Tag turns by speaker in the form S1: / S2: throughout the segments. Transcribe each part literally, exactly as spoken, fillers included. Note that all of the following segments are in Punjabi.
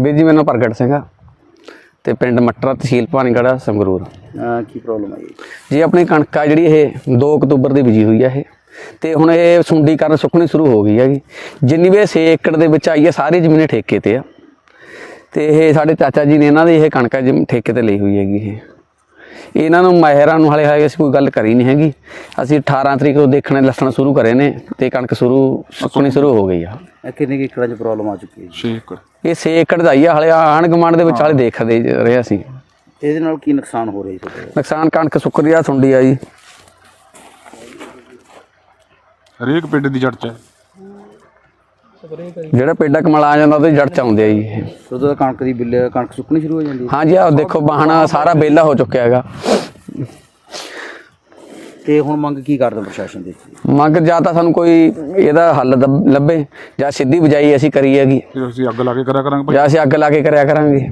S1: ਵੀਰ ਜੀ ਮੈਨੂੰ ਪ੍ਰਗਟ ਸਿੰਘ ਆ ਤੇ ਪਿੰਡ ਮੱਟਰਾ ਤਹਿਸੀਲ ਭਾਨੀਗੜ੍ਹ ਸੰਗਰੂਰ।
S2: ਕੀ ਪ੍ਰੋਬਲਮ ਆਈ
S1: ਜੀ ਆਪਣੀ ਕਣਕ ਆ ਜਿਹੜੀ ਇਹ ਦੋ ਅਕਤੂਬਰ ਦੀ ਬੀਜੀ ਹੋਈ ਆ ਇਹ ਤੇ ਹੁਣ ਇਹ ਸੁੰਡੀ ਕਾਰਨ ਸੁੱਕਣੀ ਸ਼ੁਰੂ ਹੋ ਗਈ ਹੈਗੀ। ਜਿੰਨੀ ਵੀ ਛੇ ਏਕੜ ਦੇ ਵਿੱਚ ਆਈ ਹੈ ਸਾਰੀ ਜ਼ਮੀਨ ਠੇਕੇ ਤੇ ਆ ਤੇ ਇਹ ਸਾਡੇ ਚਾਚਾ ਜੀ ਨੇ ਇਹਨਾਂ ਦੀ ਇਹ ਕਣਕ ਜਿਮ ਠੇਕੇ ਤੇ ਲਈ ਹੋਈ ਹੈਗੀ। ਇਹ ਇਹਨਾਂ ਨੂੰ ਮਾਹਿਰਾਂ ਨੂੰ ਹਾਲੇ ਹਾਲੇ ਅਸੀਂ ਕੋਈ ਗੱਲ ਕਰੀ ਨਹੀਂ ਹੈਗੀ। ਅਸੀਂ ਅਠਾਰਾਂ ਤਰੀਕ ਨੂੰ ਦੇਖਣੇ ਲੱਸਣ ਸ਼ੁਰੂ ਕਰੇ ਨੇ ਤੇ ਕਣਕ ਸ਼ੁਰੂ ਸੁੱਕਣੀ ਸ਼ੁਰੂ ਹੋ ਗਈ ਆ।
S2: ਕਿੰਨੇ ਏਕੜਾਂ 'ਚ ਪ੍ਰੋਬਲਮ ਆ ਚੁੱਕੀ ਹੈ?
S1: ਛੇ ਏਕੜ ਇਹ ਛੇ ਏਕੜ ਦਾ ਆਈ ਆ। ਹਾਲੇ ਆਂਢ ਗੁਆਂਢ ਦੇ ਵਿੱਚ ਹਾਲੇ ਦੇਖਦੇ ਰਹੇ ਅਸੀਂ।
S2: ਇਹਦੇ ਨਾਲ ਕੀ ਨੁਕਸਾਨ ਹੋ ਰਿਹਾ ਜੀ?
S1: ਨੁਕਸਾਨ ਕਣਕ ਸੁੱਕ ਰਹੀ ਆ, ਸੁੰਡੀ ਆ ਜੀ
S3: ਹਰੇਕ ਪਿੰਡ ਦੀ ਜੜ 'ਚ ਹੈ।
S1: ਜਿਹੜਾ ਪੇਡਾ ਕਮਲ ਆ ਜਾਂਦਾ ਉਹਦੇ ਜੜ 'ਚ ਆਉਂਦੇ ਆ ਜੀ ਇਹ।
S2: ਉਦੋਂ ਤਾਂ ਕਣਕ ਦੀ ਬਿੱਲ ਕਣਕ ਸੁੱਕਣੀ ਸ਼ੁਰੂ ਹੋ ਜਾਂਦੀ ਹੈ?
S1: ਹਾਂਜੀ ਆਹ ਦੇਖੋ ਬਾਹਣਾ ਸਾਰਾ ਵਿਹਲਾ ਹੋ ਚੁੱਕਿਆ ਹੈਗਾ।
S2: ਤੇ ਹੁਣ ਮੰਗ ਕੀ ਕਰਦੇ ਪ੍ਰਸ਼ਾਸਨ ਦੀ?
S1: ਮੰਗ ਜਾਂ ਤਾਂ ਸਾਨੂੰ ਕੋਈ ਇਹਦਾ ਹੱਲ ਦਬ- ਲੱਭੇ ਜਾਂ ਸਿੱਧੀ ਬਜਾਈ ਅਸੀਂ ਕਰੀ ਹੈਗੀ
S3: ਫਿਰ ਅਸੀਂ ਅੱਗ ਲਾ ਕੇ ਕਰਿਆ ਕਰਾਂਗੇ ਭਾਈ।
S1: ਜਾਂ ਅਸੀਂ ਅੱਗ ਲਾ ਕੇ ਕਰਿਆ ਕਰਾਂਗੇ।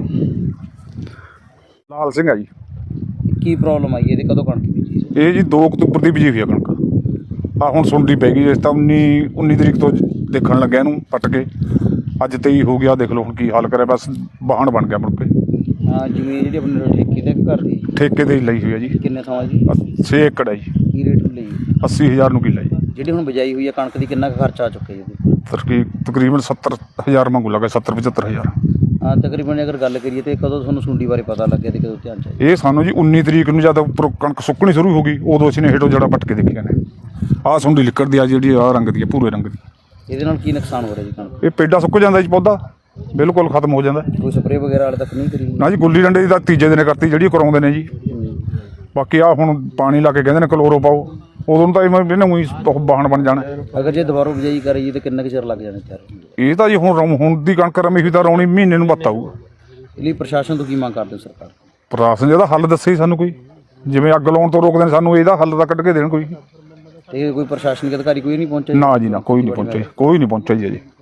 S3: ਲਾਲ ਸਿੰਘ ਆ ਜੀ।
S2: ਕੀ ਪ੍ਰੋਬਲਮ ਆਈ ਇਹਦੇ? ਕਦੋਂ ਕਣਕ ਬੀਜੀ?
S3: ਇਹ ਜੀ ਦੋ ਅਕਤੂਬਰ ਦੀ ਬੀਜੀ ਹੋਈ ਆ ਕਣਕ। ਆ ਹੁਣ ਸੁੰਡੀ ਪੈ ਗਈ। ਇਸ ਤਾਂ ਉੱਨੀ ਉੱਨੀ ਤਰੀਕ ਤੋਂ ਦੇਖਣ ਲੱਗਿਆ ਇਹਨੂੰ ਪੱਟ ਕੇ। ਅੱਜ ਤੇਈ ਹੋ ਗਿਆ। ਦੇਖ ਲਓ ਹੁਣ ਕੀ ਹਾਲ ਕਰਿਆ। ਬਸ ਵਾਹਣ ਬਣ ਗਿਆ ਮੁੜ ਕੇ।
S2: ਹਾਂ ਜ਼ਮੀਨ ਜਿਹੜੀ ਆਪਣੇ ਠੇਕੇ ਤੇ ਘਰ ਦੀ
S3: ਠੇਕੇ ਤੇ ਹੀ ਲਈ ਹੋਈ ਆ ਜੀ।
S2: ਕਿੰਨੇ ਥਾਂ ਜੀ?
S3: ਛੇ ਏਕੜ ਹੈ ਜੀ।
S2: ਕੀ ਰੇਟ ਲਈ?
S3: ਅੱਸੀ ਹਜ਼ਾਰ ਨੂੰ ਕਿੱਲਾ ਜੀ।
S2: ਜਿਹੜੀ ਹੁਣ ਬਿਜਾਈ ਹੋਈ ਹੈ ਕਣਕ ਦੀ ਕਿੰਨਾ ਕੁ ਖਰਚਾ ਆ ਚੁੱਕਿਆ ਜੀ ਇਹਦੇ?
S3: ਤਰਕੀ ਤਕਰੀਬਨ ਸੱਤਰ ਹਜ਼ਾਰ ਮੰਗੂ ਲੱਗਾ। ਸੱਤਰ ਪਝੱਤਰ ਹਜ਼ਾਰ।
S2: ਹਾਂ ਤਕਰੀਬਨ ਅਗਰ ਗੱਲ ਕਰੀਏ ਤੇ ਕਦੋਂ ਤੁਹਾਨੂੰ ਸੁੰਡੀ ਬਾਰੇ ਪਤਾ ਲੱਗਿਆ ਤੇ ਕਦੋਂ ਧਿਆਨ ਚ ਆਇਆ?
S3: ਇਹ ਸਾਨੂੰ ਜੀ ਉੱਨੀ ਤਰੀਕ ਨੂੰ ਜਦ ਉੱਪਰੋਂ ਕਣਕ ਸੁੱਕਣੀ ਸ਼ੁਰੂ ਹੋ ਗਈ ਉਦੋਂ ਅਸੀਂ ਨੇ ਹੇਠੋਂ ਜੜਾ ਪੱਟ ਕੇ ਦੇਖੀਆਂ ਨੇ। ਆਹ ਸੁੰਡੀ ਲਿਕੜਦੀ ਆ ਜਿਹੜੀ ਆਹ ਰੰਗ ਦੀ ਆ, ਭੂਰੇ ਰੰਗ ਦੀ।
S2: ਇਹਦੇ ਨਾਲ ਕੀ ਨੁਕਸਾਨ ਹੋ ਰਿਹਾ ਜੀ ਕਣਕ?
S3: ਇਹ ਪੇਡਾ ਸੁੱਕ ਜਾਂਦਾ ਜੀ, ਪੌਦਾ ਬਿਲਕੁਲ ਖਤਮ ਹੋ ਜਾਂਦਾ।
S2: ਕੋਈ ਸਪਰੇਅ ਵਗੈਰਾ ਹਾਲੇ ਤੱਕ ਨਹੀਂ ਕਰੀ?
S3: ਨਾ ਜੀ ਗੁੱਲੀ ਡੰਡੇ ਦੀ ਤਾਂ ਤੀਜੇ ਦਿਨ ਕਰਤੀ ਜਿਹੜੀ ਉਹ ਕਰਾਉਂਦੇ ਨੇ ਜੀ। ਬਾਕੀ ਆ ਹੁਣ ਪਾਣੀ ਲਾ ਕੇ ਕਹਿੰਦੇ ਨੇ ਕਲੋਰੋ ਪਾਓ। ਉਦੋਂ ਨੂੰ ਤਾਂ ਇਹਨਾਂ ਉਹੀ ਬਾਹਣ ਬਣ ਜਾਣਾ।
S2: ਅਗਰ ਜੇ ਦੁਬਾਰਾ ਬਿਜਾਈ ਕਰੀਏ ਤਾਂ ਕਿੰਨਾ ਕੁ ਚਿਰ ਲੱਗ ਜਾਣਾ ਤਿਆਰ?
S3: ਇਹ ਤਾਂ ਜੀ ਹੁਣ ਰੌ- ਹੁਣ ਦੀ ਕਣਕ ਰਮੀ ਹੋਈ ਤਾਂ ਰੌਣੀ ਮਹੀਨੇ ਨੂੰ ਬੱਤ ਆਊਗਾ।
S2: ਇਹ ਲਈ ਪ੍ਰਸ਼ਾਸਨ ਤੋਂ ਕੀ ਮੰਗ ਕਰਦੇ ਹੋ ਸਰਕਾਰ?
S3: ਪ੍ਰਸ਼ਾਸਨ ਜਿਹਦਾ ਹੱਲ ਦੱਸੇ ਸਾਨੂੰ ਕੋਈ, ਜਿਵੇਂ ਅੱਗ ਲਾਉਣ ਤੋਂ ਰੋਕਦੇ ਨੇ ਸਾਨੂੰ ਇਹਦਾ ਹੱਲ ਤਾਂ ਕੱਢ ਕੇ ਦੇਣ ਕੋਈ।
S2: ਤੇ ਕੋਈ ਪ੍ਰਸ਼ਾਸਨਿਕ ਅਧਿਕਾਰੀ ਕੋਈ ਨਹੀਂ ਪਹੁੰਚਿਆ?
S3: ਨਾ ਜੀ ਨਾ, ਕੋਈ ਨਹੀਂ ਪਹੁੰਚਿਆ। ਕੋਈ ਨਹੀਂ ਪਹੁੰਚਿਆ ਜੀ ਅਜੇ।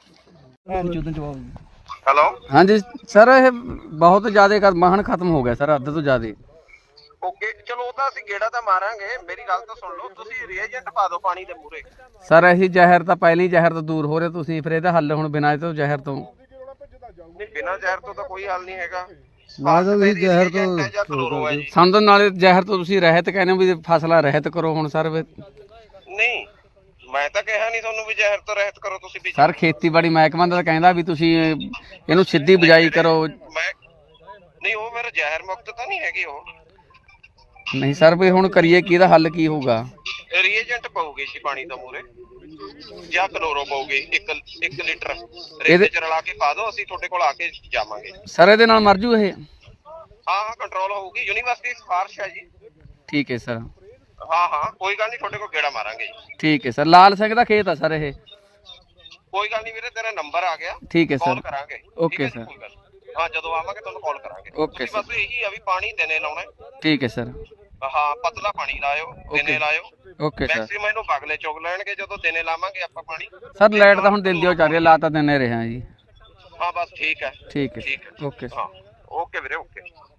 S4: ਹੈਲੋ
S1: ਹਾਂਜੀ ਸਰ ਇਹ ਬਹੁਤ ਜ਼ਿਆਦਾ ਵਾਹਣ ਖਤਮ ਹੋ ਗਿਆ ਸਰ, ਅੱਧ ਤੋਂ ਜ਼ਿਆਦਾ।
S4: ਓਕੇ ਚਲੋ ਉਹ ਤਾਂ ਅਸੀਂ ਗੇੜਾ ਤਾਂ ਮਾਰਾਂਗੇ। ਮੇਰੀ ਗੱਲ ਤਾਂ ਸੁਣ ਲਓ। ਤੁਸੀਂ ਰੀਏਜੈਂਟ ਪਾ ਦਿਓ ਪਾਣੀ ਦੇ ਮੂਰੇ।
S1: ਸਰ ਅਸੀਂ ਜ਼ਹਿਰ ਤਾਂ ਪਹਿਲੀ ਜ਼ਹਿਰ ਤੋਂ ਦੂਰ ਹੋ ਰਹੇ ਤੁਸੀਂ, ਫਿਰ ਇਹਦਾ ਹੱਲ ਹੁਣ ਬਿਨਾਂ ਇਹ ਤੋਂ ਜ਼ਹਿਰ ਤੋਂ?
S4: ਨਹੀਂ ਬਿਨਾਂ ਜ਼ਹਿਰ ਤੋਂ ਤਾਂ ਕੋਈ ਹੱਲ ਨਹੀਂ ਹੈਗਾ।
S2: ਬਾਅਦ ਵਿੱਚ ਜ਼ਹਿਰ ਤੋਂ
S1: ਸਾਨੂੰ ਤਾਂ ਨਾਲੇ ਜ਼ਹਿਰ ਤੋਂ ਤੁਸੀਂ ਰਹਿਤ ਕਹਿੰਦੇ ਹੋ ਵੀ ਫਸਲਾਂ ਰਹਿਤ ਕਰੋ ਹੁਣ ਸਰ।
S4: ਨਹੀਂ ਮੈਂ ਤਾਂ ਕਿਹਾ ਨਹੀਂ ਤੁਹਾਨੂੰ ਵੀ ਜ਼ਹਿਰ ਤੋਂ ਰਹਿਤ ਕਰੋ ਤੁਸੀਂ ਵੀ।
S1: ਸਰ ਖੇਤੀਬਾੜੀ ਮਹਿਕਮਾ ਦਾ ਕਹਿੰਦਾ ਵੀ ਤੁਸੀਂ ਇਹਨੂੰ ਸਿੱਧੀ ਬਜਾਈ ਕਰੋ।
S4: ਮੈਂ ਨਹੀਂ ਉਹ ਮੇਰਾ ਜ਼ਹਿਰ ਮੁਕਤ ਤਾਂ ਨਹੀਂ ਹੈਗੀ ਉਹ।
S1: ਨਹੀਂ ਸਰ ਵੀ ਹੁਣ ਕਰੀਏ ਕੀ, ਇਹਦਾ ਹੱਲ ਕੀ ਹੋਊਗਾ?
S4: ਰੀਏਜੈਂਟ ਪਾਉਗੇ ਜੀ ਪਾਣੀ ਦਾ ਮੂਰੇ ਜਾਂ ਕਲੋਰੋ ਪਾਉਗੇ ਇੱਕ ਇੱਕ ਲੀਟਰ
S1: ਇਹਦੇ-
S4: ਰੇਤ ਚ ਰਲਾ ਕੇ ਪਾ ਦਿਓ। ਅਸੀਂ ਤੁਹਾਡੇ ਕੋਲ ਆ ਕੇ ਜਾਵਾਂਗੇ।
S1: ਸਰ ਇਹਦੇ ਨਾਲ ਮਰ ਜੂ ਇਹ?
S4: ਹਾਂ ਹਾਂ ਕੰਟਰੋਲ ਹੋਊਗੀ। ਯੂਨੀਵਰਸਿਟੀ ਦੀ ਸਿਫਾਰਿਸ਼ ਹੈ ਜੀ।
S1: ਠੀਕ ਹੈ ਸਰ।
S4: ਹਾਂ ਹਾਂ ਕੋਈ ਗੱਲ ਨਹੀਂ, ਤੁਹਾਡੇ ਕੋਲ ਗੇੜਾ ਮਾਰਾਂਗੇ ਜੀ।
S1: ਠੀਕ ਹੈ ਸਰ। ਲਾਲ ਸਿੰਘ ਦਾ ਖੇਤ ਆ ਸਰ ਇਹ?
S4: ਕੋਈ ਗੱਲ ਨਹੀਂ ਵੀਰੇ, ਤੇਰਾ ਨੰਬਰ ਆ ਗਿਆ।
S1: ਠੀਕ ਹੈ
S4: ਕਾਲ
S1: ਸਰ।
S4: ਕਰਾਂਗੇ।
S1: Okay sir.
S4: ਕੋਈ ਗੱਲ ਨੀ। ਹਾਂ ਜਦੋਂ ਆਵਾਂਗੇ ਤੁਹਾਨੂੰ ਕਾਲ ਕਰਾਂਗੇ।
S1: ਓਕੇ
S4: ਤੁਸੀਂ ਬਸ ਇਹੀ ਆ ਵੀ ਪਾਣੀ ਦਿਨੇ ਲਾਉਣਾ।
S1: ਠੀਕ ਹੈ ਸਰ।
S4: ਹਾਂ ਪਤਲਾ ਪਾਣੀ ਲਾਇਓ, ਦਿਨੇ ਲਾਇਓ।
S1: Okay sir.
S4: ਮੈਕਸਿਮਮ ਇਹਨੂੰ ਬਗਲੇ ਚੁਗ ਲੈਣਗੇ ਜਦੋਂ ਦਿਨੇ ਲਾਵਾਂਗੇ ਆਪਾਂ ਪਾਣੀ।
S1: ਸਰ ਲਾਈਟ ਤਾਂ ਹੁਣ ਦਿਨ ਦੀ ਹੋ ਚੱਲ ਰਹੀ ਹੈ, ਲਾ ਤਾਂ ਦਿਨੇ ਰਹੇ ਹਾਂ ਜੀ।
S4: ਹਾਂ ਬਸ ਠੀਕ ਹੈ।
S1: ਠੀਕ ਹੈ
S4: ਠੀਕ ਹੈ।
S1: ਓਕੇ।
S4: ਹਾਂ ਓਕੇ ਵੀਰੇ ਓਕੇ।